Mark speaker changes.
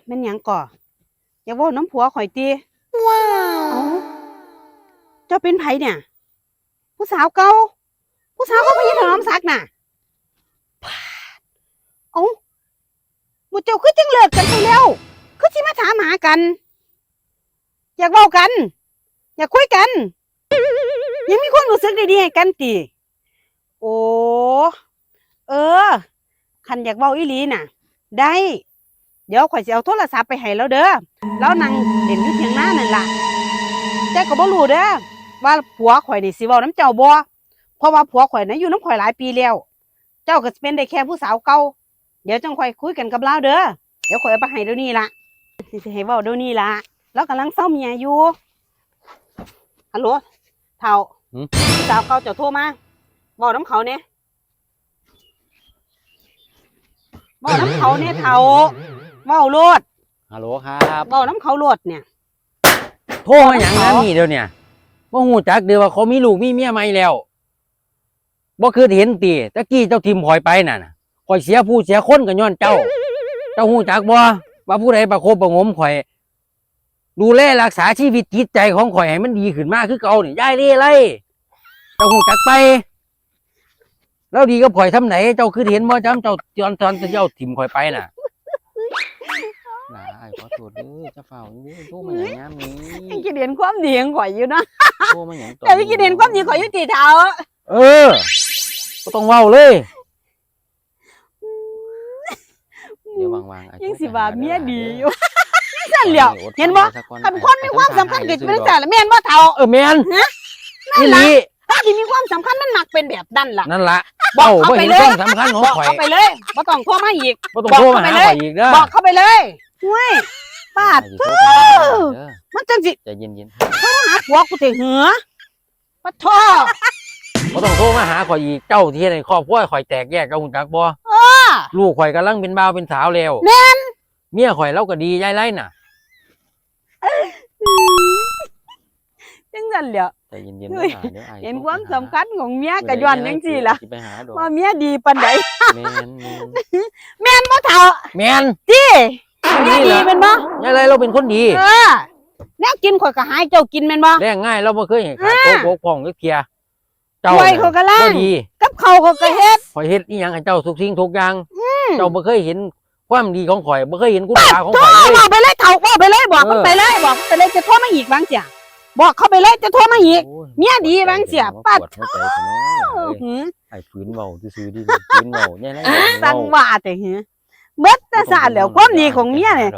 Speaker 1: แม่นหยังก่ออย่าเว้าน้ำผัวข่อยติว้าวเจ้าเป็นไผเนี่ยผู้สาวเก่าผู้สาวเขาพยาถนอมศักดิ์น่ะเอ้าหมู่เจ้าคือจังเลิกกันไปแล้วคือสิมาถามหากัน อยากเว้ากัน อยากคุยกันยังมีความรู้สึกดีๆให้กันติโอ้เออคันอยากเว้าอีหลีน่ะได้เดี๋ยวข่อยสิเอาโทรศัพท์ไปให้แล้วเด้อแล้วนั่งเล่นอยู่เถียงนานั่นล่ะแต่ก็บ่รู้เด้อว่าผัวข่อยนี่สิเว้านำเจ้าบ่เพราะว่าผัวข่อยน่ะอยู่นำข่อยหลายปีแล้วเจ้าก็สิเป็นได้แค่ผู้สาวเก่าเดี๋ยวจังค่อยคุยกันกับเราเด้อเดี๋ยวข่อยเอาไปให้เดี๋ยวนี้ล่ะสิให้เว้าเดี๋ยวนี้ล่ะเรากำลังเศร้าเมียอยู่ฮัลโหลเฒ่าผู้สาวเก่าเจ้าโทรมาเว้านำเขาแหน่เว้านำเขาแหน่เฒ่าเว้าโลด
Speaker 2: ฮัลโหลครับ
Speaker 1: เว้านำเขาโลดเนี่ย
Speaker 2: โทรมาอย่างนั้นนี่เดี๋ยวเนี่ยบ่ฮู้จักเดี๋ยวว่าเขามีลูกมีเมียใหม่แล้วบ่คือเห็นติตะกี้เจ้าทิมข่อยไปน่ะข่อยเสียผู้เสียคนก็ย้อนเจ้าฮู้จักบ่ว่าผู้ใดประคบประงมข่อยดูแลรักษาชีวิตจิตใจของข่อยให้มันดีขึ้นมาคือเก่านี่ยายเร่ไรเจ้าฮู้จักไปแล้วดีกับข่อยทำไหนเจ้าคือเห็นบ่จำเจ้าตอนเจ้าทิมข่อยไปน่ะอ้ายขอโทษเด้อจะเฝ้านี่โทรมาอย่างยามนี้
Speaker 1: ยังคิดเห็นความดีของข่อยอยู่เนาะ
Speaker 2: โทรมาอย่าง
Speaker 1: แต่ยังคิดเห็นความดีข่อยอยู่ติเฒ่า
Speaker 2: ก็ต้องเว้าเลยเดี๋ยววางๆ
Speaker 1: ยังสิว่าเมียดีอยู่นั่นแหละเห็นบ่คันคนมีความสำคัญก็เป็นจังซั่นล่ะแม่นบ่เฒ่า
Speaker 2: แม่นอีหลี
Speaker 1: ถ้าสิมีความสำคัญมันมักเป็นแบบนั้นล่ะ
Speaker 2: นั่นล่ะบอกเข้าไปเลยสำคัญของข่อย
Speaker 1: เข้าไปเลยบ่ต้องโทรมาอีก
Speaker 2: บ่ต้องโทรมาหาข่อยอีกเด้อ
Speaker 1: บอกเข้าไปเลยห้วยปาดมันจังสิ
Speaker 2: ใจเย็น
Speaker 1: ๆโทรหาผัวกูสิหือปะท้อ
Speaker 2: บ่ต้องโทรมาหาข่อยอีกเจ้าที่ในครอบครัวข่อยแตกแยกเจ้าฮู้จักบ่ลูกข่อยกำลังเป็นบ่าวเป็นสาวแล้ว
Speaker 1: แม่น
Speaker 2: เมียข่อยเราก็ดียายไรน่ะ
Speaker 1: จังซั่นแหละ
Speaker 2: ใจเย็นๆเดี๋ยว
Speaker 1: เห็นความสำคัญของเมียก็ย้อนจังซี่ล่ะว่าเมียดีปานใดแม่นบ่เฒ่า
Speaker 2: แม่น
Speaker 1: ติเมียดีแม่นบ่
Speaker 2: ยายไรเราเป็นคนดี
Speaker 1: แนวกินข่อยก็หายเจ้ากินแม่นบ่
Speaker 2: แรงง่ายเราบ่เคยเห็นขาดโกกพ่องจักเที่ย
Speaker 1: เจ้าข่อยก็ล้างกับข้าวข่อยก็เฮ็ด
Speaker 2: ข่อยเฮ็ดอีหยังให้เจ้าทุกสิ่งทุกอย่างเจ้าบ่เคยเห็นความดีของข่อยบ่เคยเห็นคุณค่าของข่อยเลย
Speaker 1: บอกไปเลยเฒ่าบอกไปเลยบอกมันไปเลยบอกไปเลยจะโทรมาอีกบางเสียบอกเข้าไปเลยจะโทรมาอีกเมียดีบางเสียปัด
Speaker 2: ไอ้ฝืนเว้าซื่อๆดิฝืนเว้าแน่ๆ
Speaker 1: สั่งว่าแต่เบิดแต่ซะแล้วความดีของเมียเนี่ย